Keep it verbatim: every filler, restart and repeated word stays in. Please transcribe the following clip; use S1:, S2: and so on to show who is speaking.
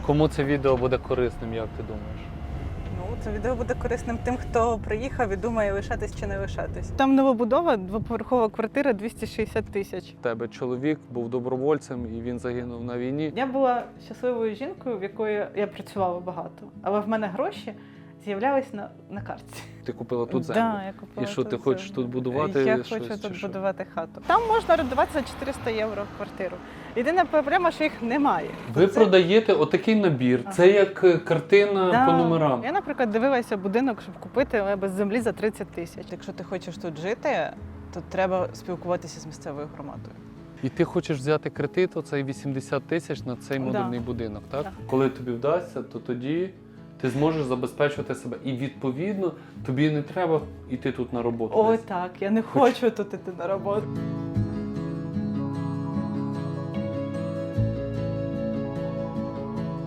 S1: Кому це відео буде корисним, як ти думаєш?
S2: Ну, це відео буде корисним тим, хто приїхав і думає, лишатись чи не лишатись. Там новобудова, двоповерхова квартира, двісті шістдесят тисяч.
S1: У тебе чоловік був добровольцем і він загинув на війні.
S2: Я була щасливою жінкою, в якої я працювала багато, але в мене гроші з'являлись на, на картці.
S1: Ти купила тут землю?
S2: Да, я купила
S1: І що,
S2: тут
S1: ти хочеш
S2: землю.
S1: тут будувати
S2: Я
S1: щось,
S2: хочу
S1: чи
S2: тут
S1: що?
S2: будувати хату. Там можна орендувати за чотириста євро в квартиру. Єдина проблема, що їх немає.
S1: Ви
S2: Це-
S1: продаєте отакий набір.
S2: Ага.
S1: Це як е, картина
S2: Да.
S1: по номерам.
S2: Я, наприклад, дивилася будинок, щоб купити, але без землі за тридцять тисяч. Якщо ти хочеш тут жити, то треба спілкуватися з місцевою громадою.
S1: І ти хочеш взяти кредит, оцей вісімдесят тисяч на цей
S2: Да.
S1: модульний будинок, так?
S2: Так.
S1: Коли тобі вдасться, то тоді ти зможеш забезпечувати себе. І відповідно тобі не треба йти тут на роботу.
S2: Ой,
S1: десь.
S2: так, я не
S1: Хоч-
S2: хочу тут іти на роботу.